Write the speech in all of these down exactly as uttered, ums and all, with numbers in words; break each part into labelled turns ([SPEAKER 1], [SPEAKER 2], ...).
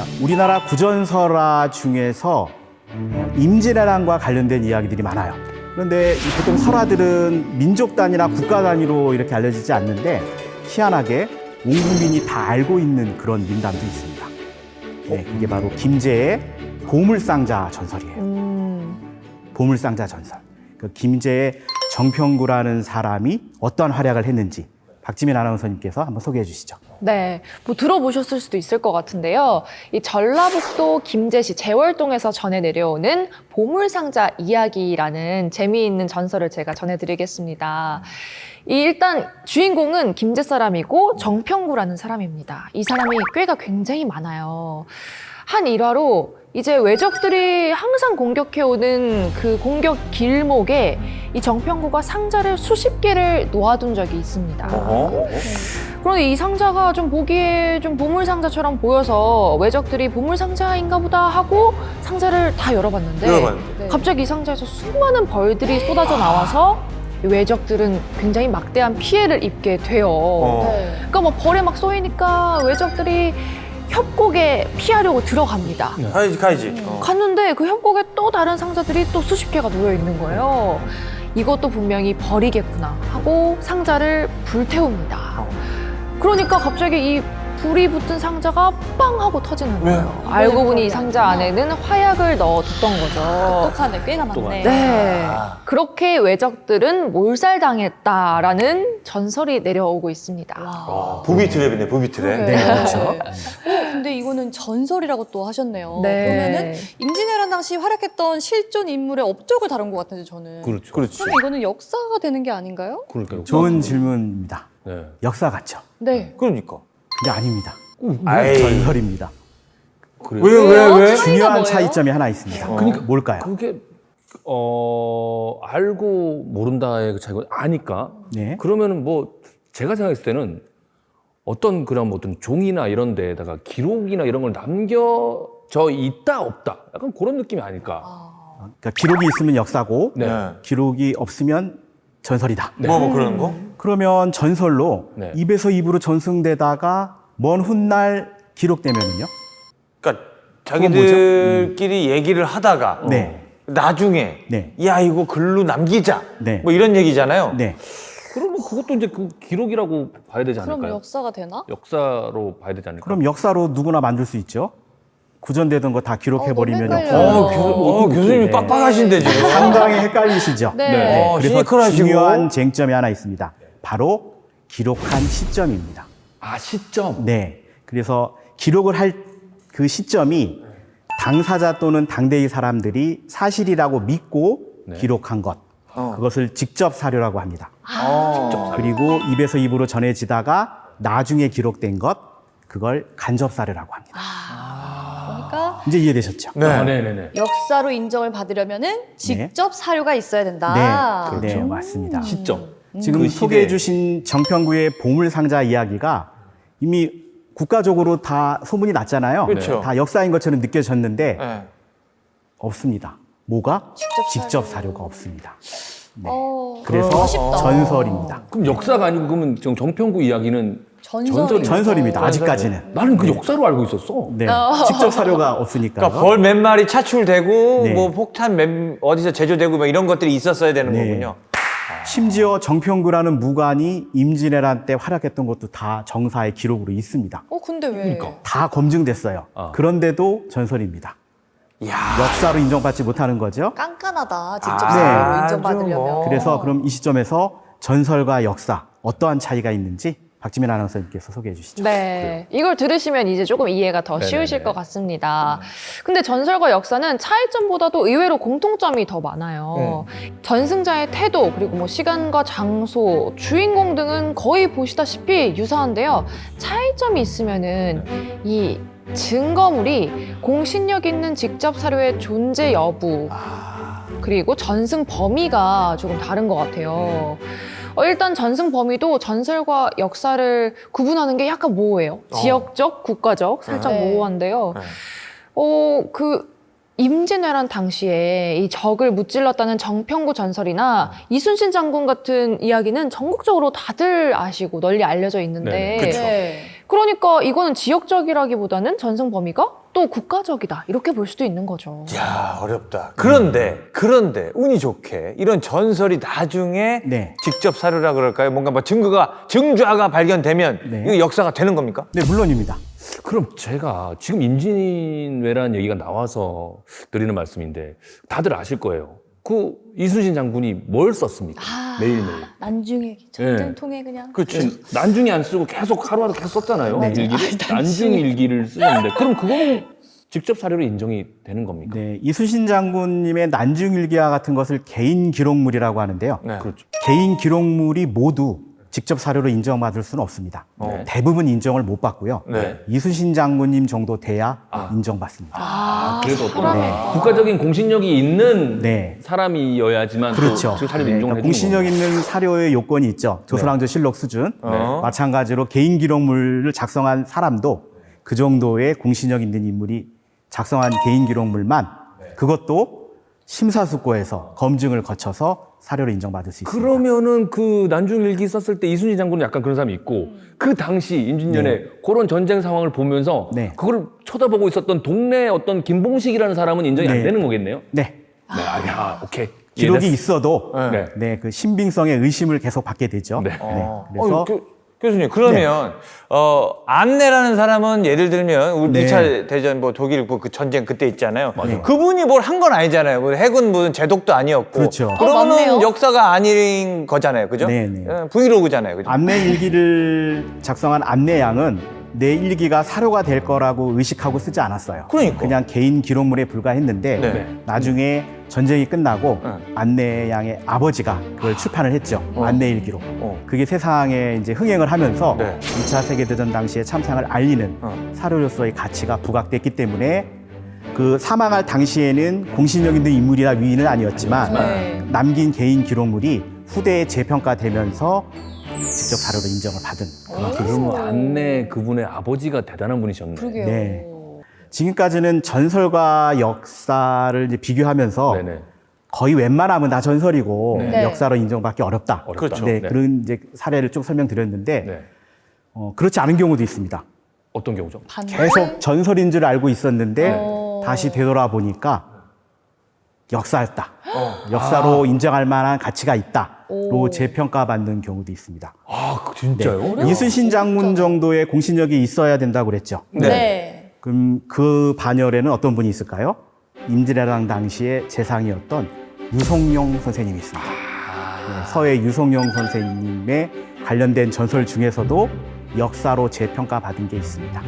[SPEAKER 1] 우리나라 구전설화 중에서 임진왜란과 관련된 이야기들이 많아요. 그런데 이 보통 설화들은 민족 단위나 국가 단위로 이렇게 알려지지 않는데 희한하게 온 국민이 다 알고 있는 그런 민담도 있습니다. 네, 이게 바로 김제의 보물상자 전설이에요.
[SPEAKER 2] 음.
[SPEAKER 1] 보물상자 전설. 그 김제의 정평구라는 사람이 어떠한 활약을 했는지 박지민 아나운서님께서 한번 소개해 주시죠.
[SPEAKER 2] 네, 뭐 들어보셨을 수도 있을 것 같은데요. 이 전라북도 김제시 재월동에서 전해 내려오는 보물상자 이야기라는 재미있는 전설을 제가 전해드리겠습니다. 이 일단 주인공은 김제 사람이고 정평구라는 사람입니다. 이 사람이 꾀가 굉장히 많아요. 한 일화로 이제 외적들이 항상 공격해오는 그 공격 길목에 이 정평구가 상자를 수십 개를 놓아둔 적이 있습니다.
[SPEAKER 3] 어허.
[SPEAKER 2] 그런데 이 상자가 좀 보기에 좀 보물상자처럼 보여서 외적들이 보물상자인가 보다 하고 상자를 다 열어봤는데
[SPEAKER 3] 열어봤는데.
[SPEAKER 2] 갑자기 이 상자에서 수많은 벌들이 쏟아져 나와서 이 외적들은 굉장히 막대한 피해를 입게 돼요.
[SPEAKER 3] 어.
[SPEAKER 2] 그러니까 뭐 벌에 막 쏘이니까 외적들이 협곡에 피하려고 들어갑니다.
[SPEAKER 3] 가야지, 가야지. 어.
[SPEAKER 2] 갔는데 그 협곡에 또 다른 상자들이 또 수십 개가 놓여 있는 거예요. 이것도 분명히 벌이겠구나 하고 상자를 불태웁니다. 그러니까 갑자기 이 불이 붙은 상자가 빵 하고 터지는 거예요.
[SPEAKER 3] 왜?
[SPEAKER 2] 알고 보니 이 상자 안에는 화약을 넣어뒀던 거죠.
[SPEAKER 4] 똑똑하네, 꽤나 많네.
[SPEAKER 2] 네.
[SPEAKER 3] 아.
[SPEAKER 2] 그렇게 외적들은 몰살당했다라는 전설이 내려오고 있습니다.
[SPEAKER 3] 아, 부비 트랩이네, 부비 트랩.
[SPEAKER 1] 네, 그렇죠.
[SPEAKER 4] 어, 근데 이거는 전설이라고 또 하셨네요.
[SPEAKER 2] 네.
[SPEAKER 4] 그러면은 임진왜란 당시 활약했던 실존 인물의 업적을 다룬 것 같은데 저는.
[SPEAKER 5] 그렇죠.
[SPEAKER 3] 그렇지.
[SPEAKER 4] 그럼 이거는 역사가 되는 게 아닌가요?
[SPEAKER 5] 그러니까요.
[SPEAKER 1] 좋은 질문입니다.
[SPEAKER 5] 네.
[SPEAKER 1] 역사 같죠?
[SPEAKER 4] 네.
[SPEAKER 3] 그러니까.
[SPEAKER 1] 근데 아닙니다.
[SPEAKER 3] 아이.
[SPEAKER 1] 전설입니다.
[SPEAKER 5] 그래요.
[SPEAKER 3] 왜, 왜,
[SPEAKER 4] 왜요?
[SPEAKER 3] 왜?
[SPEAKER 4] 차이가
[SPEAKER 1] 중요한
[SPEAKER 4] 뭐예요?
[SPEAKER 1] 차이점이 하나 있습니다.
[SPEAKER 3] 어.
[SPEAKER 1] 그러니까 뭘까요?
[SPEAKER 5] 그게 어 알고 모른다의 그 차이고 아니까.
[SPEAKER 1] 네.
[SPEAKER 5] 그러면은 뭐 제가 생각했을 때는 어떤 그런 뭐 어떤 종이나 이런 데에다가 기록이나 이런 걸 남겨져 있다 없다 약간 그런 느낌이 아닐까.
[SPEAKER 4] 아,
[SPEAKER 1] 그러니까 기록이 있으면 역사고
[SPEAKER 5] 네.
[SPEAKER 3] 네.
[SPEAKER 1] 기록이 없으면 전설이다.
[SPEAKER 3] 뭐, 뭐 그런 거?
[SPEAKER 1] 그러면 전설로
[SPEAKER 5] 네.
[SPEAKER 1] 입에서 입으로 전승되다가 먼 훗날 기록되면은요?
[SPEAKER 3] 그러니까 자기들끼리 얘기를 하다가
[SPEAKER 1] 네.
[SPEAKER 3] 나중에
[SPEAKER 1] 네.
[SPEAKER 3] 야 이거 글로 남기자
[SPEAKER 1] 네.
[SPEAKER 3] 뭐 이런 얘기잖아요.
[SPEAKER 1] 네.
[SPEAKER 5] 그러면 그것도 이제 그 기록이라고 봐야 되지
[SPEAKER 4] 그럼
[SPEAKER 5] 않을까요?
[SPEAKER 4] 역사가 되나?
[SPEAKER 5] 역사로 봐야 되지 않을까?
[SPEAKER 1] 그럼 역사로 누구나 만들 수 있죠. 구전되던 거 다 기록해버리면
[SPEAKER 4] 어, 너무
[SPEAKER 1] 역사.
[SPEAKER 4] 헷갈려요.
[SPEAKER 3] 어, 교, 어, 교수님이
[SPEAKER 1] 네.
[SPEAKER 3] 빡빡하신데 지금.
[SPEAKER 1] 상당히 헷갈리시죠.
[SPEAKER 4] 네.
[SPEAKER 5] 네.
[SPEAKER 3] 어,
[SPEAKER 1] 그래서
[SPEAKER 3] 시니컬하시고.
[SPEAKER 1] 중요한 쟁점이 하나 있습니다. 바로 기록한 시점입니다.
[SPEAKER 5] 아 시점.
[SPEAKER 1] 네. 그래서 기록을 할 그 시점이 당사자 또는 당대의 사람들이 사실이라고 믿고
[SPEAKER 5] 네.
[SPEAKER 1] 기록한 것.
[SPEAKER 3] 어.
[SPEAKER 1] 그것을 직접 사료라고 합니다.
[SPEAKER 3] 어.
[SPEAKER 1] 그리고 입에서 입으로 전해지다가 나중에 기록된 것, 그걸 간접 사료라고 합니다.
[SPEAKER 4] 그러니까
[SPEAKER 1] 이제 이해되셨죠?
[SPEAKER 3] 네.
[SPEAKER 5] 아, 네네네.
[SPEAKER 4] 역사로 인정을 받으려면은 직접 사료가 있어야 된다.
[SPEAKER 1] 네, 네, 맞습니다.
[SPEAKER 5] 시점.
[SPEAKER 1] 지금
[SPEAKER 5] 그
[SPEAKER 1] 소개해
[SPEAKER 5] 시대에.
[SPEAKER 1] 주신 정평구의 보물상자 이야기가 이미 국가적으로 다 소문이 났잖아요.
[SPEAKER 3] 그렇죠.
[SPEAKER 1] 다 역사인 것처럼 느껴졌는데
[SPEAKER 3] 네.
[SPEAKER 1] 없습니다. 뭐가?
[SPEAKER 4] 직접
[SPEAKER 1] 직접
[SPEAKER 4] 사료.
[SPEAKER 1] 사료가 없습니다. 네.
[SPEAKER 4] 어,
[SPEAKER 1] 그래서
[SPEAKER 4] 아쉽다.
[SPEAKER 1] 전설입니다.
[SPEAKER 5] 그럼 역사가 아니고 그러면 정- 정평구 이야기는
[SPEAKER 4] 전설이
[SPEAKER 1] 전설입니다. 아직까지는.
[SPEAKER 5] 나는 그 역사로 알고 있었어.
[SPEAKER 1] 네. 직접 사료가 없으니까.
[SPEAKER 3] 그러니까 벌 몇 마리 차출되고
[SPEAKER 1] 네.
[SPEAKER 3] 뭐 폭탄 몇, 어디서 제조되고 뭐 이런 것들이 있었어야 되는
[SPEAKER 1] 네.
[SPEAKER 3] 거군요.
[SPEAKER 1] 심지어 정평구라는 무관이 임진왜란 때 활약했던 것도 다 정사의 기록으로 있습니다.
[SPEAKER 4] 어, 근데 왜?
[SPEAKER 5] 그러니까.
[SPEAKER 1] 다 검증됐어요.
[SPEAKER 5] 아.
[SPEAKER 1] 그런데도 전설입니다.
[SPEAKER 3] 이야.
[SPEAKER 1] 역사로 인정받지 못하는 거죠.
[SPEAKER 4] 깐깐하다. 직접
[SPEAKER 3] 아,
[SPEAKER 4] 사료로
[SPEAKER 3] 아주
[SPEAKER 4] 인정받으려면.
[SPEAKER 3] 뭐.
[SPEAKER 1] 그래서 그럼 이 시점에서 전설과 역사 어떠한 차이가 있는지 박지민 아나운서님께서 소개해 주시죠.
[SPEAKER 2] 네. 이걸 들으시면 이제 조금 이해가 더
[SPEAKER 5] 네네네.
[SPEAKER 2] 쉬우실 것 같습니다. 근데 전설과 역사는 차이점보다도 의외로 공통점이 더 많아요. 전승자의 태도, 그리고 뭐 시간과 장소, 주인공 등은 거의 보시다시피 유사한데요. 차이점이 있으면은 이 증거물이 공신력 있는 직접 사료의 존재 여부, 그리고 전승 범위가 조금 다른 것 같아요. 어, 일단 전승 범위도 전설과 역사를 구분하는 게 약간 모호해요.
[SPEAKER 3] 어.
[SPEAKER 2] 지역적, 국가적, 살짝
[SPEAKER 4] 네.
[SPEAKER 2] 모호한데요.
[SPEAKER 3] 네.
[SPEAKER 2] 어, 그 임진왜란 당시에 이 적을 무찔렀다는 정평구 전설이나 이순신 장군 같은 이야기는 전국적으로 다들 아시고 널리 알려져 있는데
[SPEAKER 3] 네네. 그쵸.
[SPEAKER 4] 네.
[SPEAKER 2] 그러니까 이거는 지역적이라기보다는 전승 범위가 또 국가적이다 이렇게 볼 수도 있는 거죠.
[SPEAKER 3] 야, 어렵다. 그런데 그런데 운이 좋게 이런 전설이 나중에
[SPEAKER 1] 네.
[SPEAKER 3] 직접 사료라 그럴까요? 뭔가 뭐 증거가 증좌가 발견되면
[SPEAKER 1] 네.
[SPEAKER 3] 이거 역사가 되는 겁니까?
[SPEAKER 1] 네, 물론입니다.
[SPEAKER 5] 그럼 제가 지금 임진왜란 얘기가 나와서 드리는 말씀인데 다들 아실 거예요. 그 이순신 장군이 뭘 썼습니까?
[SPEAKER 4] 아,
[SPEAKER 5] 매일매일.
[SPEAKER 4] 난중에 전쟁통에 그냥.
[SPEAKER 3] 그렇지.
[SPEAKER 5] 난중이 안 쓰고 계속 하루하루 계속 썼잖아요.
[SPEAKER 1] 네.
[SPEAKER 5] 일기를. 난중 일기를 쓰는데 그럼 그거는 직접 사료로 인정이 되는 겁니까?
[SPEAKER 1] 네, 이순신 장군님의 난중일기와 같은 것을 개인 기록물이라고 하는데요.
[SPEAKER 3] 네.
[SPEAKER 5] 그렇죠.
[SPEAKER 1] 개인 기록물이 모두 직접 사료로 인정받을 수는 없습니다.
[SPEAKER 5] 네.
[SPEAKER 1] 대부분 인정을 못 받고요.
[SPEAKER 3] 네.
[SPEAKER 1] 이순신 장군님 정도 돼야
[SPEAKER 5] 아.
[SPEAKER 1] 인정받습니다.
[SPEAKER 5] 아, 그래도 어떤
[SPEAKER 2] 사람의
[SPEAKER 5] 국가적인 공신력이 있는
[SPEAKER 1] 네.
[SPEAKER 5] 사람이어야지만 또
[SPEAKER 1] 그렇죠.
[SPEAKER 5] 직접 사료로
[SPEAKER 1] 네,
[SPEAKER 5] 인정을
[SPEAKER 1] 그러니까
[SPEAKER 5] 해주는
[SPEAKER 1] 공신력
[SPEAKER 5] 거구나.
[SPEAKER 1] 있는 사료의 요건이 있죠. 조선왕조실록 수준.
[SPEAKER 3] 어.
[SPEAKER 1] 마찬가지로 개인 기록물을 작성한 사람도 그 정도의 공신력 있는 인물이 작성한 개인 기록물만 그것도 심사숙고해서 검증을 거쳐서 사료로 인정받을 수 있습니다.
[SPEAKER 5] 그러면은 그 난중일기 썼을 때 이순신 장군은 약간 그런 사람이 있고 그 당시 임진년에
[SPEAKER 1] 네.
[SPEAKER 5] 그런 전쟁 상황을 보면서
[SPEAKER 1] 네.
[SPEAKER 5] 그걸 쳐다보고 있었던 동네 어떤 김봉식이라는 사람은 인정이 안
[SPEAKER 1] 네.
[SPEAKER 5] 되는 거겠네요.
[SPEAKER 1] 네.
[SPEAKER 5] 네, 아, 야, 오케이.
[SPEAKER 1] 기록이
[SPEAKER 5] 이해됐어.
[SPEAKER 1] 있어도
[SPEAKER 5] 네.
[SPEAKER 1] 네, 그 신빙성의 의심을 계속 받게 되죠.
[SPEAKER 5] 네.
[SPEAKER 3] 어.
[SPEAKER 1] 그래서
[SPEAKER 3] 어, 교, 교수님 그러면 어, 안내라는 사람은 예를 들면 우리
[SPEAKER 1] 네.
[SPEAKER 3] 이 차 대전 뭐 독일 그, 그 전쟁 그때 있잖아요.
[SPEAKER 1] 맞아요.
[SPEAKER 3] 그분이 뭘 한 건 아니잖아요. 뭐 해군 무슨 제독도 아니었고.
[SPEAKER 1] 그렇죠.
[SPEAKER 4] 어,
[SPEAKER 3] 그러면은
[SPEAKER 4] 맞네요.
[SPEAKER 3] 역사가 아닌 거잖아요. 그죠?
[SPEAKER 1] 네, 네.
[SPEAKER 3] 어, 브이로그잖아요. 그죠?
[SPEAKER 1] 안내 일기를 작성한 안내양은 내 일기가 사료가 될 거라고 의식하고 쓰지 않았어요.
[SPEAKER 3] 그러니까.
[SPEAKER 1] 그냥 개인 기록물에 불과했는데
[SPEAKER 3] 네.
[SPEAKER 5] 네.
[SPEAKER 1] 나중에 전쟁이 끝나고
[SPEAKER 3] 네.
[SPEAKER 1] 안내양의 아버지가 그걸 출판을 했죠. 안내 일기로.
[SPEAKER 3] 어.
[SPEAKER 1] 그게 세상에 이제 흥행을 하면서
[SPEAKER 3] 네.
[SPEAKER 1] 이 차 세계대전 당시의 참상을 알리는
[SPEAKER 3] 어.
[SPEAKER 1] 사료로서의 가치가 부각됐기 때문에 그 사망할 당시에는 공신력 있는 인물이나 위인은 아니었지만
[SPEAKER 4] 네.
[SPEAKER 1] 남긴 개인 기록물이 후대에 재평가되면서 직접 사료로 인정을 받은 그런
[SPEAKER 5] 그러면 안내 그분의 아버지가 대단한 분이셨네.
[SPEAKER 4] 그러게요.
[SPEAKER 1] 네. 지금까지는 전설과 역사를 이제 비교하면서
[SPEAKER 5] 네네.
[SPEAKER 1] 거의 웬만하면 다 전설이고
[SPEAKER 5] 네.
[SPEAKER 1] 역사로 인정받기 어렵다.
[SPEAKER 5] 어렵다.
[SPEAKER 3] 그렇죠.
[SPEAKER 1] 네,
[SPEAKER 5] 네.
[SPEAKER 1] 그런 이제 사례를 쭉 설명드렸는데
[SPEAKER 5] 네.
[SPEAKER 1] 어, 그렇지 않은 경우도 있습니다.
[SPEAKER 5] 어떤 경우죠?
[SPEAKER 4] 반대?
[SPEAKER 1] 계속 전설인 줄 알고 있었는데
[SPEAKER 4] 어.
[SPEAKER 1] 다시 되돌아보니까 역사였다.
[SPEAKER 3] 어.
[SPEAKER 1] 역사로 인정할 만한 가치가 있다로
[SPEAKER 4] 오.
[SPEAKER 1] 재평가받는 경우도 있습니다.
[SPEAKER 5] 아, 그 진짜요?
[SPEAKER 1] 네. 이순신 장군 정도의 공신력이 있어야 된다고 그랬죠.
[SPEAKER 3] 네.
[SPEAKER 4] 네.
[SPEAKER 1] 그럼 그 반열에는 어떤 분이 있을까요? 임진왜란 당시의 재상이었던 유성룡 선생님이 있습니다. 네, 서해 유성룡 선생님의 관련된 전설 중에서도 역사로 재평가받은 게 있습니다.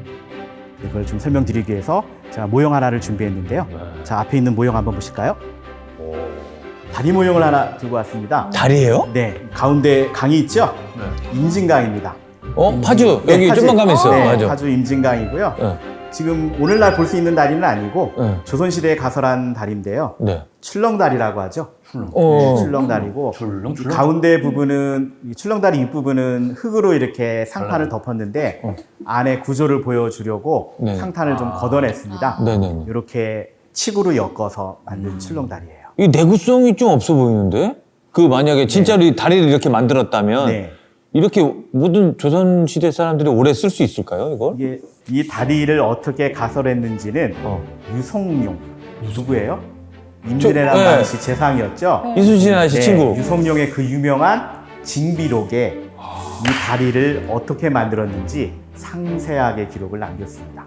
[SPEAKER 1] 네, 그걸 좀 설명드리기 위해서 제가 모형 하나를 준비했는데요.
[SPEAKER 5] 네.
[SPEAKER 1] 자, 앞에 있는 모형 한번 보실까요?
[SPEAKER 5] 오.
[SPEAKER 1] 다리 모형을 하나 들고 왔습니다.
[SPEAKER 3] 다리예요?
[SPEAKER 1] 네, 가운데 강이 있죠?
[SPEAKER 5] 네.
[SPEAKER 1] 임진강입니다.
[SPEAKER 3] 어? 파주
[SPEAKER 1] 네,
[SPEAKER 3] 여기
[SPEAKER 1] 파주.
[SPEAKER 3] 좀만 가면 있어요.
[SPEAKER 1] 네,
[SPEAKER 3] 맞아.
[SPEAKER 1] 파주 임진강이고요.
[SPEAKER 3] 네.
[SPEAKER 1] 지금 오늘날 볼 수 있는 다리는 아니고
[SPEAKER 3] 네.
[SPEAKER 1] 조선시대에 가설한 다리인데요.
[SPEAKER 3] 네.
[SPEAKER 1] 출렁다리라고 하죠.
[SPEAKER 3] 어.
[SPEAKER 1] 네, 출렁다리고
[SPEAKER 5] 출렁,
[SPEAKER 1] 이
[SPEAKER 5] 출렁.
[SPEAKER 1] 가운데 부분은 이 출렁다리 윗부분은 흙으로 이렇게 상판을 덮었는데
[SPEAKER 3] 어.
[SPEAKER 1] 안에 구조를 보여주려고
[SPEAKER 3] 네.
[SPEAKER 1] 상판을 좀 걷어냈습니다.
[SPEAKER 3] 네네.
[SPEAKER 1] 이렇게 칡으로 엮어서 만든 출렁다리예요.
[SPEAKER 3] 이 내구성이 좀 없어 보이는데? 그 만약에 진짜로 이 다리를 이렇게 만들었다면
[SPEAKER 1] 네.
[SPEAKER 3] 이렇게 모든 조선 시대 사람들이 오래 쓸 수 있을까요? 이걸?
[SPEAKER 1] 이게 이 다리를 어떻게 가설했는지는
[SPEAKER 3] 어.
[SPEAKER 1] 유성룡 누구예요? 임진왜란
[SPEAKER 3] 네.
[SPEAKER 1] 당시 재상이었죠.
[SPEAKER 3] 이순신 아저씨
[SPEAKER 1] 네,
[SPEAKER 3] 친구.
[SPEAKER 1] 유성룡의 그 유명한 징비록에 이 다리를 어떻게 만들었는지 상세하게 기록을 남겼습니다.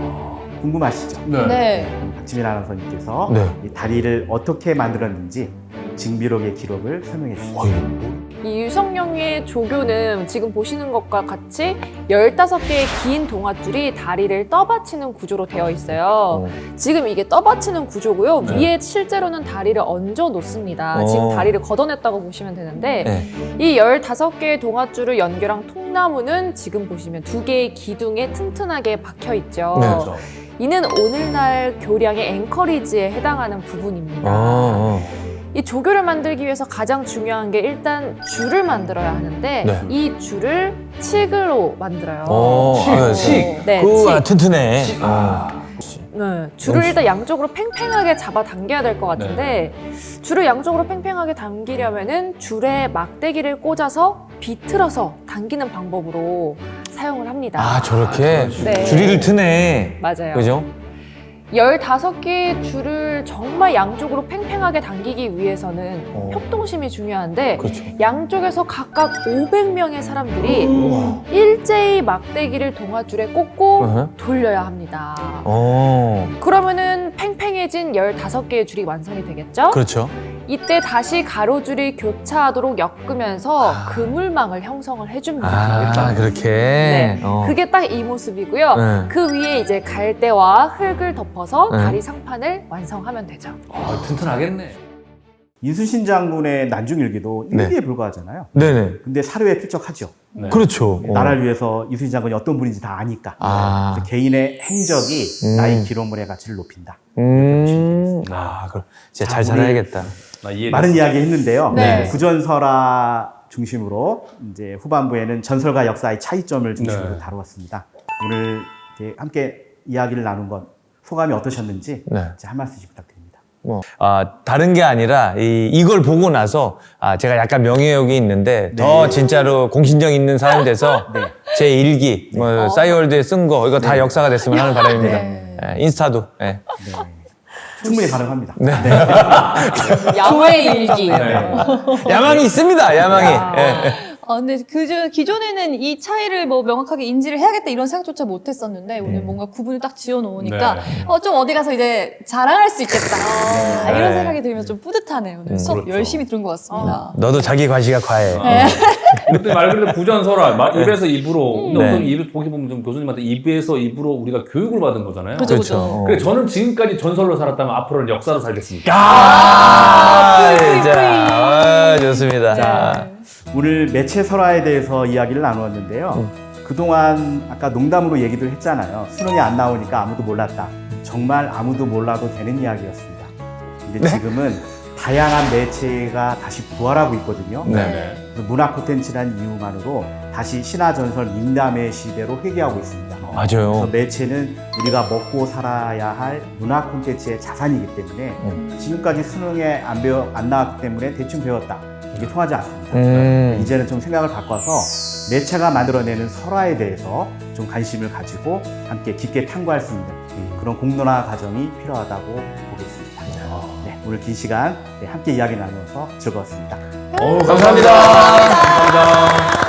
[SPEAKER 1] 궁금하시죠?
[SPEAKER 4] 네.
[SPEAKER 1] 박지민 아나운서님께서
[SPEAKER 3] 네.
[SPEAKER 1] 이 다리를 어떻게 만들었는지 징비록의 기록을 설명해 주시죠.
[SPEAKER 2] 이 유성룡의 조교는 지금 보시는 것과 같이 열다섯 개의 긴 동아줄이 다리를 떠받치는 구조로 되어 있어요.
[SPEAKER 3] 어.
[SPEAKER 2] 지금 이게 떠받치는 구조고요.
[SPEAKER 3] 네.
[SPEAKER 2] 위에 실제로는 다리를 얹어 놓습니다.
[SPEAKER 3] 어.
[SPEAKER 2] 지금 다리를 걷어냈다고 보시면 되는데
[SPEAKER 3] 네.
[SPEAKER 2] 이 열다섯 개의 동아줄을 연결한 통나무는 지금 보시면 두 개의 기둥에 튼튼하게 박혀 있죠.
[SPEAKER 3] 네.
[SPEAKER 5] 그렇죠.
[SPEAKER 2] 이는 오늘날 교량의 앵커리지에 해당하는 부분입니다.
[SPEAKER 3] 아,
[SPEAKER 2] 이 조교를 만들기 위해서 가장 중요한 게 일단 줄을 만들어야 하는데
[SPEAKER 3] 네.
[SPEAKER 2] 이 줄을 칡으로 만들어요.
[SPEAKER 3] 어, 아,
[SPEAKER 5] 칡.
[SPEAKER 2] 네,
[SPEAKER 3] 그
[SPEAKER 2] 칡.
[SPEAKER 3] 아, 튼튼해. 아.
[SPEAKER 2] 네, 줄을 일단 양쪽으로 팽팽하게 잡아 당겨야 될 것 같은데 줄을 양쪽으로 팽팽하게 당기려면은 줄에 막대기를 꽂아서 비틀어서 당기는 방법으로 사용을 합니다.
[SPEAKER 3] 아, 저렇게
[SPEAKER 2] 네.
[SPEAKER 3] 줄이를 트네.
[SPEAKER 2] 맞아요.
[SPEAKER 3] 그죠?
[SPEAKER 2] 열다섯 개의 줄을 정말 양쪽으로 팽팽하게 당기기 위해서는
[SPEAKER 3] 어.
[SPEAKER 2] 협동심이 중요한데
[SPEAKER 3] 그렇죠.
[SPEAKER 2] 양쪽에서 각각 오백 명의 사람들이
[SPEAKER 3] 우와.
[SPEAKER 2] 일제히 막대기를 동아줄에 꽂고
[SPEAKER 3] 어허.
[SPEAKER 2] 돌려야 합니다.
[SPEAKER 3] 어.
[SPEAKER 2] 그러면은 팽팽해진 열다섯 개의 줄이 완성이 되겠죠?
[SPEAKER 3] 그렇죠.
[SPEAKER 2] 이때 다시 가로줄이 교차하도록 엮으면서
[SPEAKER 3] 아.
[SPEAKER 2] 그물망을 형성을 해줍니다.
[SPEAKER 3] 아, 그렇게.
[SPEAKER 2] 네.
[SPEAKER 3] 어.
[SPEAKER 2] 그게 딱 이 모습이고요.
[SPEAKER 3] 네.
[SPEAKER 2] 그 위에 이제 갈대와 흙을 덮어서
[SPEAKER 3] 네.
[SPEAKER 2] 다리 상판을 완성하면 되죠.
[SPEAKER 5] 아, 튼튼하겠네.
[SPEAKER 1] 이순신 장군의 난중일기도
[SPEAKER 3] 네.
[SPEAKER 1] 일기에 불과하잖아요.
[SPEAKER 3] 네네.
[SPEAKER 1] 근데 사료에 필적하죠.
[SPEAKER 5] 네.
[SPEAKER 3] 그렇죠. 어.
[SPEAKER 1] 나라를 위해서 이순신 장군이 어떤 분인지 다 아니까.
[SPEAKER 3] 아.
[SPEAKER 1] 그래서 개인의 행적이
[SPEAKER 3] 음.
[SPEAKER 1] 나의 기록물의 가치를 높인다.
[SPEAKER 3] 음. 아, 그럼 진짜 잘
[SPEAKER 1] 자, 우리
[SPEAKER 3] 살아야겠다.
[SPEAKER 5] 나 이해.
[SPEAKER 1] 많은 이야기 했는데요.
[SPEAKER 4] 네.
[SPEAKER 1] 구전설화 중심으로 이제 후반부에는 전설과 역사의 차이점을 중심으로
[SPEAKER 5] 네.
[SPEAKER 1] 다루었습니다. 오늘 이렇게 함께 이야기를 나눈 건 소감이 어떠셨는지
[SPEAKER 3] 네.
[SPEAKER 1] 이제 한 말씀씩 부탁드립니다.
[SPEAKER 3] 뭐, 아, 다른 게 아니라, 이, 이걸 보고 나서, 아, 제가 약간 명예욕이 있는데, 더 진짜로 공신력 있는 사람이 돼서,
[SPEAKER 1] 네.
[SPEAKER 3] 제 일기, 뭐, 싸이월드에 쓴 거, 이거 다 역사가 됐으면 하는 바람입니다.
[SPEAKER 4] 네.
[SPEAKER 3] 예, 인스타도, 예.
[SPEAKER 1] 네. 충분히 가능합니다.
[SPEAKER 2] 야외 일기.
[SPEAKER 3] 야망이 있습니다, 야망이. 예.
[SPEAKER 4] 아, 근데 그저 기존에는 이 차이를 뭐 명확하게 인지를 해야겠다 이런 생각조차 못 했었는데 오늘 뭔가 구분을 딱 지어 놓으니까
[SPEAKER 5] 네.
[SPEAKER 4] 어, 좀 어디 가서 이제 자랑할 수 있겠다. 아, 이런
[SPEAKER 3] 네.
[SPEAKER 4] 생각이 들면서 좀 뿌듯하네요. 오늘
[SPEAKER 3] 음,
[SPEAKER 4] 수업
[SPEAKER 5] 그렇죠.
[SPEAKER 4] 열심히 들은 것 같습니다.
[SPEAKER 3] 너도 자기 과시가 과해.
[SPEAKER 5] 그때 말 그대로 부전설화, 말 입에서 입으로. 근데
[SPEAKER 3] 네.
[SPEAKER 5] 어떤 입을 보기 보면 좀 교수님한테 입에서 입으로 우리가 교육을 받은 거잖아요.
[SPEAKER 4] 그죠,
[SPEAKER 3] 그렇죠.
[SPEAKER 4] 그죠.
[SPEAKER 5] 그래 저는 지금까지 전설로 살았다면 앞으로는 역사로 살겠습니다.
[SPEAKER 3] 아, 자, 아, 좋습니다. 자,
[SPEAKER 1] 오늘 매체 설화에 대해서 이야기를 나누었는데요.
[SPEAKER 3] 음.
[SPEAKER 1] 그동안 아까 농담으로 얘기도 했잖아요. 수능이 안 나오니까 아무도 몰랐다. 정말 아무도 몰라도 되는 이야기였습니다. 근데
[SPEAKER 3] 네?
[SPEAKER 1] 지금은 다양한 매체가 다시 부활하고 있거든요.
[SPEAKER 3] 네.
[SPEAKER 1] 그래서 문화 콘텐츠라는 이유만으로 다시 신화전설 민담의 시대로 회귀하고 있습니다. 그래서
[SPEAKER 3] 맞아요.
[SPEAKER 1] 매체는 우리가 먹고 살아야 할 문화 콘텐츠의 자산이기 때문에
[SPEAKER 3] 음.
[SPEAKER 1] 지금까지 수능에 안 배워 안 나왔기 때문에 대충 배웠다. 이게 통하지 않습니다.
[SPEAKER 3] 음.
[SPEAKER 1] 이제는 좀 생각을 바꿔서 매체가 만들어내는 설화에 대해서 좀 관심을 가지고 함께 깊게 탐구할 수 있는 그런 공론화 과정이 필요하다고 보겠습니다. 네, 오늘 긴 시간 네, 함께 이야기 나누어서 즐거웠습니다.
[SPEAKER 5] 어우,
[SPEAKER 3] 감사합니다.
[SPEAKER 5] 감사합니다.